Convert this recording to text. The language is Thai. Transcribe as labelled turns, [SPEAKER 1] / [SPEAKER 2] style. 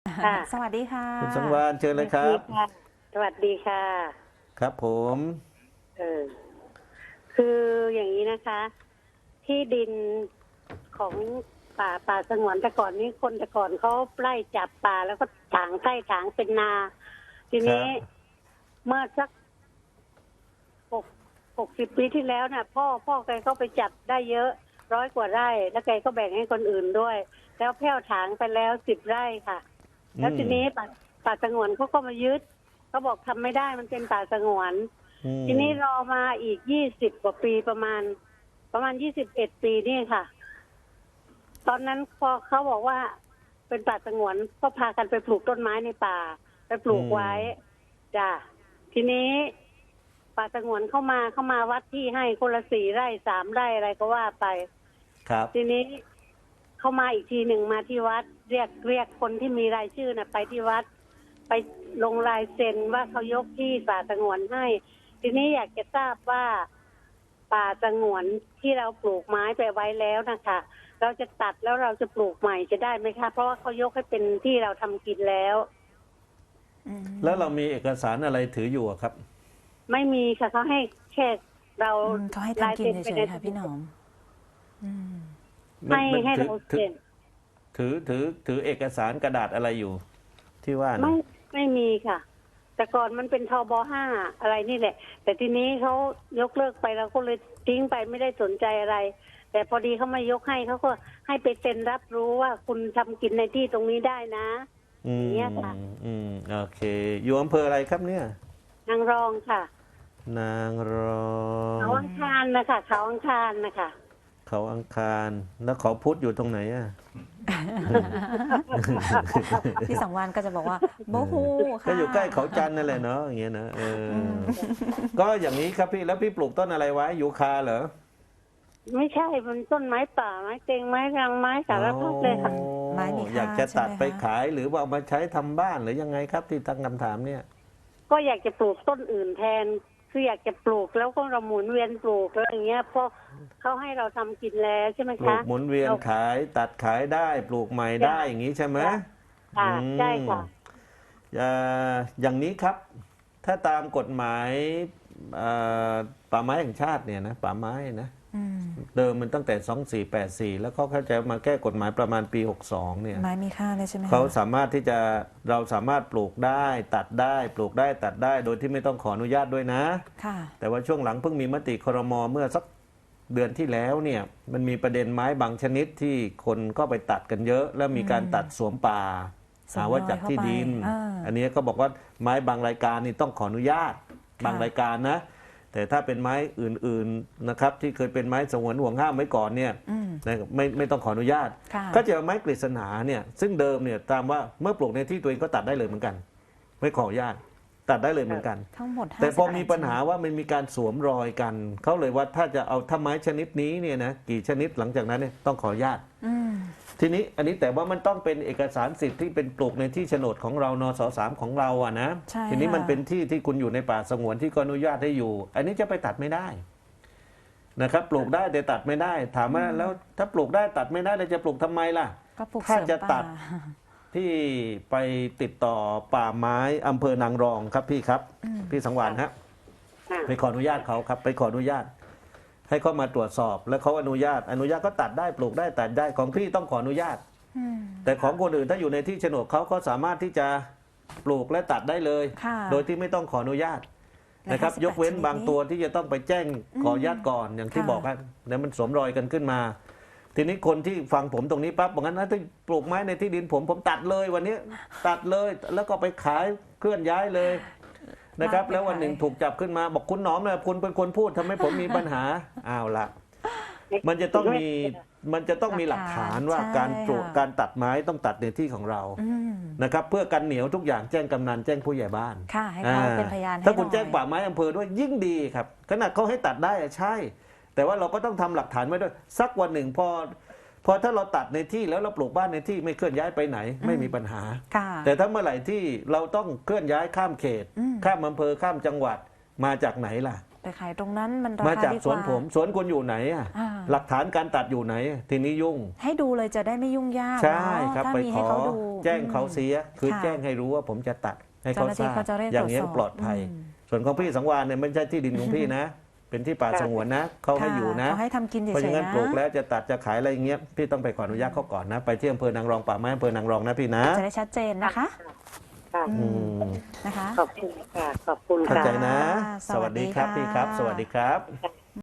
[SPEAKER 1] ค่ะ
[SPEAKER 2] สวัสดีค่ะ
[SPEAKER 3] คุณสังวาลเชิญเลยครับ
[SPEAKER 1] สวัสดีค่ะ
[SPEAKER 3] ครับผม
[SPEAKER 1] เออคืออย่างนี้นะคะ ที่ดินของป่าสงวนแต่ก่อนนี้คนแต่ก่อนเขาไล่จับป่าแล้วก็ถางใกล้ถางเป็นนา ทีนี้เมื่อสักหก60 ปีที่แล้วน่ะ พ่อแกก็ไปจับได้เยอะ100 กว่าไร่ แล้วแกก็แบ่งให้คนอื่นด้วย แล้วแพ่วถางไปแล้ว10 ไร่ค่ะ แล้วทีนี้ป่าสงวนเขาก็มายึดเขาบอกทำไม่ได้มันเป็นป่าสงวนทีนี้รอมาอีก20 กว่าปีประมาณ21 ปีนี่ค่ะ ตอนนั้นพอเขาบอกว่าเป็นป่าสงวนก็พากันไปปลูกต้นไม้ในป่าไปปลูกไว้จ้ะทีนี้ป่าสงวนเข้ามาวัดที่ให้คนละ4 ไร่3 ไร่อะไรก็ว่าไป
[SPEAKER 3] ครับ
[SPEAKER 1] ทีนี้เข้ามาอีกทีหนึ่งมาที่วัด เรียกคนที่มีรายชื่อน่ะ ไปที่วัด ไปลงลายเซ็นว่าเขายกที่ป่าสงวนให้ ทีนี้อยากจะทราบว่าป่าสงวนที่เราปลูกไม้ไปไว้แล้วนะคะเราจะตัดแล้วเราจะปลูกใหม่จะได้ไหมคะเพราะว่าเขายกให้เป็นที่เราทำกินแล้ว
[SPEAKER 3] แล้วเรามีเอกสารอะไรถืออยู่อะครับ
[SPEAKER 1] ไม่มีค่ะเขาให้แค่เรา
[SPEAKER 2] เขาให้ทำกินเฉยๆค่ะพี่หนอม
[SPEAKER 3] มัน
[SPEAKER 1] ให้
[SPEAKER 3] ถือ
[SPEAKER 1] เรา
[SPEAKER 3] ถือ
[SPEAKER 1] เซ็น
[SPEAKER 3] ถือเอกสารกระดาษอะไรอยู่ ที่ว่านะ
[SPEAKER 1] ไม่มีค่ะ แต่ก่อนมันเป็นทบ5อะไรนี่แหละ แต่ทีนี้เขายกเลิกไปเราก็เลยทิ้งไปไม่ได้สนใจอะไร แต่พอดีเขามายกให้เขาก็ให้ไปเซ็นรับรู้ว่าคุณทำกินในที่ตรงนี้ได้นะอย่างเงี้ยค่ะ
[SPEAKER 3] โอเค อยู่อำเภออะไรครับเนี่ย
[SPEAKER 1] นางรองค่ะ
[SPEAKER 3] นางรอง
[SPEAKER 1] เขาอังคารนะคะเขาอังคารนะคะ
[SPEAKER 3] เขาอังคาร แล้วเขาพุธอยู่ตรงไหนอ่ะ
[SPEAKER 2] พี่สังวานก็จะบอกว่าโบฮูค่ะ
[SPEAKER 3] ก็อยู่ใกล้เขาจันทร์นั่นแหละเนาะอย่างเงี้ยนะก็อย่างนี้ครับพี่แล้วพี่ปลูกต้นอะไรไว้ยูคาเหรอ
[SPEAKER 1] ไม่ใช่มันต้นไม้ป่าไม้เต็งไม้รังไม้สารพัดเลยค่ะ
[SPEAKER 2] ไม้มีค่า
[SPEAKER 3] อยากจะตัด
[SPEAKER 2] ใช่ไหมคะ
[SPEAKER 3] ไปขายหรือว่าเอามาใช้ทำบ้านหรือยังไงครับที่ตั้งคำถามเนี่ย
[SPEAKER 1] ก็อยากจะปลูกต้นอื่นแทน คืออยากจะปลูกแล้วก็เราหมุนเวียนปลูกแล้วอย่างเงี้ยเพราะเขาให้เราทำกินแล้วใช่ไหม
[SPEAKER 3] ปลู
[SPEAKER 1] คะ
[SPEAKER 3] กหมุนเวียนขายตัดขายได้ปลูกใหม่ได้อย่างนี้ใช่ไหม
[SPEAKER 1] ค่ะใช่ค่ะ
[SPEAKER 3] อย่างนี้ครับ ถ้าตามกฎหมายป่าไม้แห่งชาติเนี่ยนะป่าไม้นะเดิมมันตั้งแต่ 2484 แล้วเขาเข้าใจมาแก้กฎหมายประมาณปี 62 เนี่ย
[SPEAKER 2] ไม้มีค่าเลยใช่ไหมคะ
[SPEAKER 3] เขาสามารถที่จะเราสามารถปลูกได้ตัดได้ปลูกได้ตัดได้โดยที่ไม่ต้องขออนุญาตด้วยนะ
[SPEAKER 2] ค่ะ
[SPEAKER 3] แต่ว่าช่วงหลังเพิ่งมีมติครม.เมื่อสักเดือนที่แล้วเนี่ยมันมีประเด็นไม้บางชนิดที่คนก็ไปตัดกันเยอะ แล้วมีการตัดสวมป่า
[SPEAKER 2] สวม
[SPEAKER 3] หาว่าจากที่ดิน
[SPEAKER 2] รอยเข้าไป
[SPEAKER 3] อันนี้ก็บอกว่าไม้บางรายการนี่ต้องขออนุญาตบางรายการนะ แต่ถ้าเป็นไม้อื่นๆนะครับที่เคยเป็นไม้สงวนห่วงห้ามไว้ก่อนเนี่ยนะไม่ต้องขออนุญาต
[SPEAKER 2] ค่ะ
[SPEAKER 3] ก็จะเอาไม้กฤษณาเนี่ยซึ่งเดิมเนี่ยตามว่าเมื่อปลูกในที่ตัวเองก็ตัดได้เลยเหมือนกัน ไม่ขออนุญาตตัดได้เลยเหมือนกัน
[SPEAKER 2] ทั้งหมด
[SPEAKER 3] แต่พอมี
[SPEAKER 2] 58
[SPEAKER 3] ปัญหาว่ามันมีการสวมรอยกันเขาเลยว่าถ้าจะเอาถ้าไม้ชนิดนี้เนี่ยนะกี่ชนิดหลังจากนั้นเนี่ยต้องขออนุญาต ทีนี้อันนี้แต่ว่ามันต้องเป็นเอกสารสิทธิ์ที่เป็นปลูกในที่โฉนดของเรานส3ของเราอะนะ
[SPEAKER 2] ใช่
[SPEAKER 3] ทีนี้มัน
[SPEAKER 2] ค่ะ
[SPEAKER 3] เป็นที่ที่คุณอยู่ในป่าสงวนที่ก็อนุญาตให้อยู่ อันนี้จะไปตัดไม่ได้นะครับปลูกได้แต่ตัดไม่ได้ ถามว่าแล้วถ้าปลูกได้ตัดไม่ได้เราจะปลูกทำไมล่ะ
[SPEAKER 2] ก็ปลูก
[SPEAKER 3] ถ้า
[SPEAKER 2] เสริม
[SPEAKER 3] จะตั
[SPEAKER 2] ป่า
[SPEAKER 3] ด พี่ไปติดต่อป่าไม้อำเภอนางรองครับพี่ครับพี่สังวานฮะ
[SPEAKER 1] ค่ะ
[SPEAKER 3] ไปขออนุญาตเขาครับไปขออนุญาต ให้เขามาตรวจสอบแล้วเขาอนุญาตก็ตัดได้ปลูกได้ตัดได้ของพี่ต้องขออนุญาต แต่ของคนอื่นถ้าอยู่ในที่โฉนดเขาก็สามารถที่จะปลูกและตัดได้เลย
[SPEAKER 2] ค่ะ
[SPEAKER 3] โดยที่ไม่ต้องขออนุญาต
[SPEAKER 2] และ
[SPEAKER 3] นะครับ
[SPEAKER 2] 58
[SPEAKER 3] ยกเว้น
[SPEAKER 2] ชนิด
[SPEAKER 3] บางตัวที่จะต้องไปแจ้งขออนุญาตก่อนอย่างที่
[SPEAKER 2] ค่ะ
[SPEAKER 3] บอกครับแล้วมันสวมรอยกันขึ้นมา ทีนี้คนที่ฟังผมตรงนี้ปั๊บบอกงั้นถ้าปลูกไม้ในที่ดินผมตัดเลยวันนี้ตัดเลยแล้วก็ไปขายเคลื่อนย้ายเลยนะครับ แล้ววันหนึ่งถูกจับขึ้นมาบอกคุณหนอมนะคุณเป็นคนพูดทำให้ผมมีปัญหาอ้าวละมันจะต้องมีหลักฐานว่า
[SPEAKER 2] ใช่
[SPEAKER 3] การปลูก
[SPEAKER 2] ค่ะ
[SPEAKER 3] การตัดไม้ต้องตัดในที่ของเรานะครับ เพื่อกันเหนียวทุกอย่างแจ้งกำนันแจ้งผู้ใหญ่บ้าน
[SPEAKER 2] ค่ะให้เขาเป็นพยานให้
[SPEAKER 3] ถ้าคุณ
[SPEAKER 2] หน่อย
[SPEAKER 3] แจ้งป่าไม้อำเภอด้วยยิ่งดีครับขนาดเขาให้ตัดได้อะใช่ แต่ว่าเราก็ต้องทำหลักฐานไว้ด้วยสักวันหนึ่งพอถ้าเราตัดในที่แล้วเราปลูกบ้านในที่ไม่เคลื่อนย้ายไปไหนไม่มีปัญหา
[SPEAKER 2] ค่ะ
[SPEAKER 3] แต่ถ้าเมื่อไหร่ที่เราต้องเคลื่อนย้ายข้ามเขต ข้ามอำเภอข้ามจังหวัดมาจากไหนล่ะ
[SPEAKER 2] ไปขายตรงนั้นมันรา
[SPEAKER 3] มา
[SPEAKER 2] คา
[SPEAKER 3] จาก
[SPEAKER 2] ดี
[SPEAKER 3] ส
[SPEAKER 2] ก
[SPEAKER 3] วน
[SPEAKER 2] ว่า
[SPEAKER 3] ผมสวนคุณอยู่ไหนอะ
[SPEAKER 2] อ่า
[SPEAKER 3] หลักฐานการตัดอยู่ไหน ทีนี้ยุ่ง
[SPEAKER 2] ให้ดูเลยจะได้ไม่ยุ่งยาก
[SPEAKER 3] ใช่
[SPEAKER 2] เนาะ
[SPEAKER 3] ครับ
[SPEAKER 2] ถ้า
[SPEAKER 3] ไป
[SPEAKER 2] มี
[SPEAKER 3] ข
[SPEAKER 2] ให้
[SPEAKER 3] อ
[SPEAKER 2] เขาดู
[SPEAKER 3] แจ้งเขาเสีย คือ
[SPEAKER 2] ค่ะ
[SPEAKER 3] แจ้งให้รู้ว่าผมจะตัดให้
[SPEAKER 2] เจ้า
[SPEAKER 3] เขา
[SPEAKER 2] หน้า
[SPEAKER 3] ท
[SPEAKER 2] ที่
[SPEAKER 3] ราบ
[SPEAKER 2] เขาจะเร่ง
[SPEAKER 3] อย่างนี้
[SPEAKER 2] ตรวจสอบ
[SPEAKER 3] ปลอดภัย
[SPEAKER 2] อืม
[SPEAKER 3] ส่วนของพี่สังวานเนี่ยไม่ใช่ที่ดินของพี่นะ เป็นที่ป่าสงวนนะเขาให้อยู่นะ
[SPEAKER 2] เขาให้ทำกินเฉ
[SPEAKER 3] เพราะฉะ
[SPEAKER 2] ย
[SPEAKER 3] นั้น
[SPEAKER 2] ๆนะ
[SPEAKER 3] ปลูกแล้วจะตัดจะขายอะไรอย่างเงี้ยพี่ต้องไปขออนุญาตเขาก่อนนะ ไปที่อำเภอนางรองป่าไม้อำเภอนางรองนะพี่นะ
[SPEAKER 2] จะได้ชัดเจนนะคะ
[SPEAKER 1] ค่ะ
[SPEAKER 2] อื
[SPEAKER 3] อื
[SPEAKER 2] ม
[SPEAKER 3] ม
[SPEAKER 2] นะคะ
[SPEAKER 1] ขอบคุณค่ะ ขอบคุณ
[SPEAKER 3] เข้า
[SPEAKER 1] ค่ะ
[SPEAKER 3] ใจนะ
[SPEAKER 2] ค่ะ
[SPEAKER 3] สวัสดีครับ
[SPEAKER 2] สวัสดี
[SPEAKER 3] พี่ครับ
[SPEAKER 2] ค่ะ
[SPEAKER 3] สวัสดีครับ
[SPEAKER 1] ค่ะ